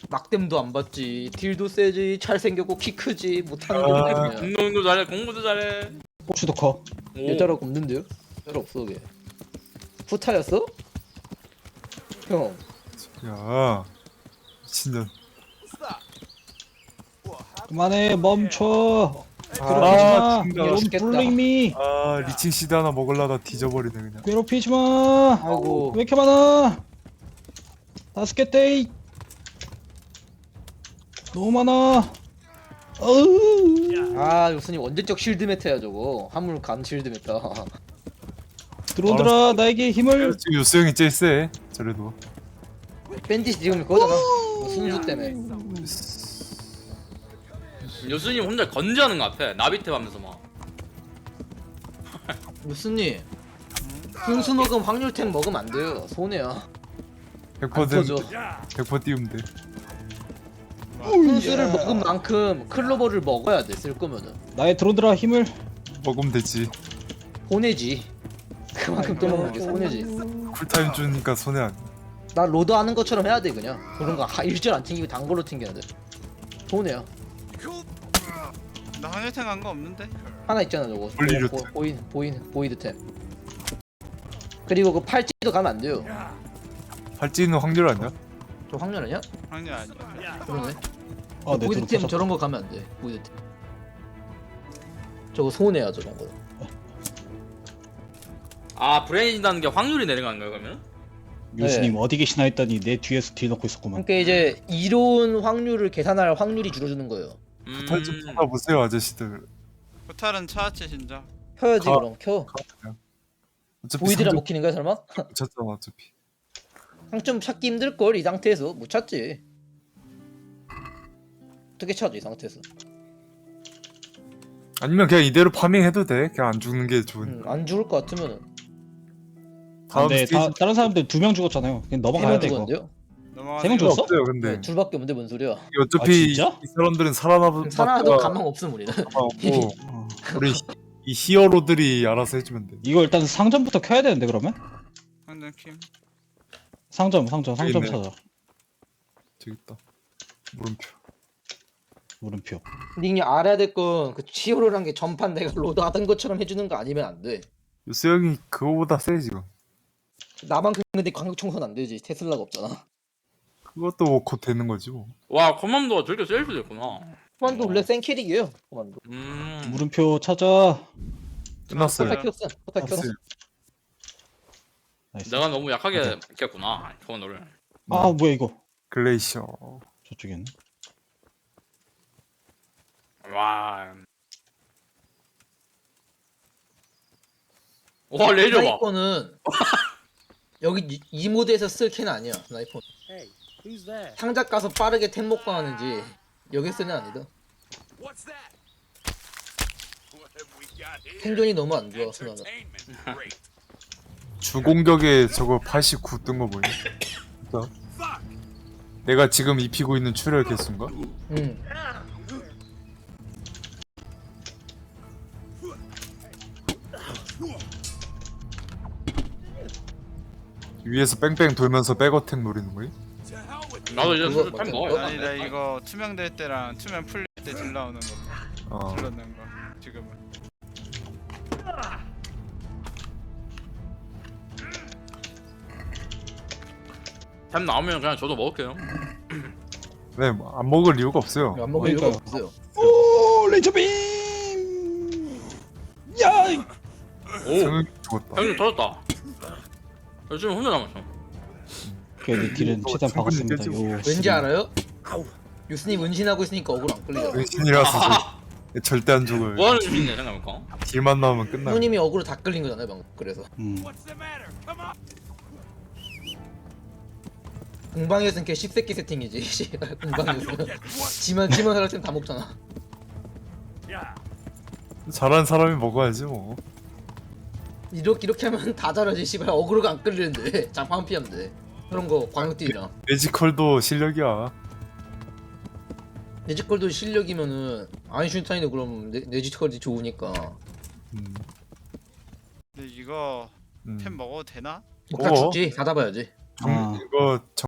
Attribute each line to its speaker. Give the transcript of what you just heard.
Speaker 1: 막댐도 안 받지. 딜도 세지. 잘생겼고 키 크지. 못하는 게
Speaker 2: 아.
Speaker 1: 없네 그냥.
Speaker 3: 운동도 잘해, 공부도 잘해.
Speaker 2: 고추도 커.
Speaker 3: 오.
Speaker 1: 여자라고 없는데요? 여자 없어 걔. 후타였어? 형.
Speaker 2: 야 미친년.
Speaker 4: 그만해 멈춰.
Speaker 2: 아,
Speaker 4: 괴롭히지 마.
Speaker 2: 진짜
Speaker 4: 여러분
Speaker 1: 맛있겠다.
Speaker 4: 불링 미.
Speaker 2: 아 리칭 시드 하나 먹으려다 뒤져버리네 그냥.
Speaker 4: 괴롭히지 마.
Speaker 1: 아이고.
Speaker 4: 왜 이렇게 많아? 5개 떼이. 너무 많아. 어우.
Speaker 1: 아 요스님 언제적 실드 메타야 저거. 화물 간 실드 메타.
Speaker 4: 들어오더라 나에게 힘을.
Speaker 2: 지금 요스 형이 제일 세. 저래도.
Speaker 1: 밴디스 지금 그거잖아. 순수 때문에.
Speaker 3: 요수님 혼자 건재하는 것 같아. 나비탭 하면서 막.
Speaker 1: 요스님. 순수 먹으면 확률템 먹으면 안 돼요. 손해야.
Speaker 2: 100%
Speaker 1: 터져.
Speaker 2: 100% 띄우면 돼.
Speaker 1: 순수를 먹은 만큼 클로버를 먹어야 돼. 쓸 거면은.
Speaker 4: 나의 들어오더라 힘을.
Speaker 2: 먹으면 되지.
Speaker 1: 손해지. 그만큼 또 먹는 게 손해지.
Speaker 2: 쿨타임 주니까 손해 안.
Speaker 1: 나 로드 하는 것처럼 해야 돼 그냥. 그런 거 일절 안 튕기고 단 걸로 튕겨야 돼. 손해야.
Speaker 5: 나 항해탱 한 거 없는데?
Speaker 1: 하나 있잖아 저거.
Speaker 2: 볼리르트.
Speaker 1: 보이드템. 그리고 그 팔찌도 가면 안 돼요.
Speaker 2: 팔찌는 확률 아니야?
Speaker 1: 저 확률 아니야?
Speaker 5: 항해 아니야.
Speaker 1: 그러네.
Speaker 4: 아, 내
Speaker 1: 보이드템
Speaker 4: 들어오더라.
Speaker 1: 저런 거 가면 안 돼. 보이드템. 저거 손해야 저런 거.
Speaker 3: 아, 불행해진다는 게 확률이 내려가는 거야, 그러면?
Speaker 4: 교수님 어디 계시나 했더니 내 뒤에서 뒤 넣고 있었구만.
Speaker 1: 그러니까 이제 이로운 확률을 계산할 확률이 줄어드는 거예요.
Speaker 2: 팔 좀 찾아보세요 아저씨들.
Speaker 5: 포탈은 차아치 진짜.
Speaker 1: 켜야지
Speaker 2: 가-
Speaker 1: 그럼 켜.
Speaker 2: 어차피
Speaker 1: 보이드라
Speaker 2: 상점
Speaker 1: 못 키는 거야 설마?
Speaker 2: 못 찾잖아 어차피.
Speaker 1: 상점 찾기 힘들 걸 이 상태에서 못 찾지. 어떻게 찾아 이 상태에서?
Speaker 2: 아니면 그냥 이대로 파밍해도 돼. 그냥 안 죽는 게 좋은.
Speaker 1: 안 죽을 것 같으면은
Speaker 2: 다음
Speaker 4: 근데
Speaker 2: 스테이지
Speaker 4: 다른 사람들 2명 죽었잖아요. 그냥 넘어가야
Speaker 1: 세명
Speaker 4: 돼 이거.
Speaker 1: 죽었는데요?
Speaker 5: 넘어가는
Speaker 4: 세명
Speaker 5: 거.
Speaker 4: 줬어?
Speaker 2: 없어요 근데.
Speaker 1: 둘밖에 없는데 뭔 소리야?
Speaker 2: 어차피
Speaker 4: 아, 진짜?
Speaker 2: 이 사람들은 살아남았다.
Speaker 1: 살아도 가망 없음 우리는.
Speaker 2: 없고
Speaker 4: 어.
Speaker 2: 우리 이 히어로들이 알아서 해주면 돼.
Speaker 4: 이거 일단 상점부터 켜야 되는데 그러면?
Speaker 5: 항상 킴.
Speaker 4: 상점
Speaker 2: 있네.
Speaker 4: 찾아.
Speaker 2: 저기 있다. 물음표.
Speaker 4: 물음표.
Speaker 1: 닉이 알아야 될 건 그 치오로란 게 전판 내가 로드 하던 것처럼 해주는 거 아니면 안 돼.
Speaker 2: 요스 형이 그거보다 세 지금.
Speaker 1: 나만 근데 광역 청소는 안 되지. 테슬라가 없잖아.
Speaker 2: 그것도 뭐 곧 되는 거지 뭐.
Speaker 3: 와, 커맨도가 저렇게 셀 수도 있구나.
Speaker 1: 코만도 원래 센 캐릭이에요. 코만도.
Speaker 4: 물음표 찾아.
Speaker 2: 끝났어요.
Speaker 1: 포탈 켰어. 포탈 켰어.
Speaker 2: 끝났어요.
Speaker 4: 나이스.
Speaker 3: 내가 너무 약하게 켰구나, 커맨도를.
Speaker 4: 아 뭐야 이거?
Speaker 2: 글레이셔.
Speaker 4: 저쪽에는.
Speaker 3: 와. 와, 레이저 봐.
Speaker 1: 스나이퍼는 여기 이 모드에서 쓸 캔 아니야. 스나이퍼. 상자 가서 빠르게 템 먹고 하는지 여기 쓰는 아니다. 생존이 너무 안 좋아 스나는.
Speaker 2: 주공격에 저거 89 뜬 거 보이네. 진짜? 내가 지금 입히고 있는 출혈 개수인가?
Speaker 1: 응.
Speaker 2: 위에서 뺑뺑 돌면서 백어택 노리는 거지?
Speaker 3: 나도 이제
Speaker 1: 그거
Speaker 3: 슬슬 템
Speaker 1: 맞아.
Speaker 3: 먹어야겠다.
Speaker 5: 아니 나 이거 투명될 때랑 투명 풀릴 때 딜 나오는 거.
Speaker 2: 어.
Speaker 5: 딜 넣는 거. 지금은.
Speaker 3: 템 나오면 그냥 저도 먹을게요.
Speaker 2: 네, 뭐안 먹을 이유가 없어요.
Speaker 1: 안 먹을 이유가
Speaker 4: 그러니까요.
Speaker 1: 없어요.
Speaker 4: 오 레이저빔. 야.
Speaker 3: 오,
Speaker 2: 성형이 죽었다.
Speaker 3: 형님 터졌다. 요즘 혼자 남았어.
Speaker 4: 걔네 딜은 최대한
Speaker 2: 충분히
Speaker 4: 박았습니다.
Speaker 2: 깨지고.
Speaker 4: 요.
Speaker 1: 왠지 알아요? 유스님 은신하고 있으니까 억울 안 끌리죠.
Speaker 2: 은신이라서 절대 안 죽어요.
Speaker 3: 뭐 하는 짓이냐 생각해볼까?
Speaker 2: 딜만 나오면 끝나요.
Speaker 1: 형님이 억울로 다 끌린 거잖아요 방금. 그래서 공방에서는 걔 씹새끼 세팅이지. 씨발, 공방에서는 지만 살할 땐 다 먹잖아.
Speaker 2: 잘하는 사람이 먹어야지 뭐.
Speaker 1: 이렇게 하면 다 잘하지. 씨발 억울로가 안 끌리는데 장판 피하면 돼. 그런 거 광역딜이잖아.
Speaker 2: 매지컬도 실력이야.
Speaker 1: 네지컬도 실력이면은 아인슈타인도 그럼 네지컬이 좋으니까
Speaker 5: 근데 이거
Speaker 2: 음.
Speaker 5: 템 먹어도 되나?
Speaker 1: 뭐 다
Speaker 2: 먹어.
Speaker 1: 죽지. 다 잡아야지.
Speaker 4: 아.
Speaker 2: 이거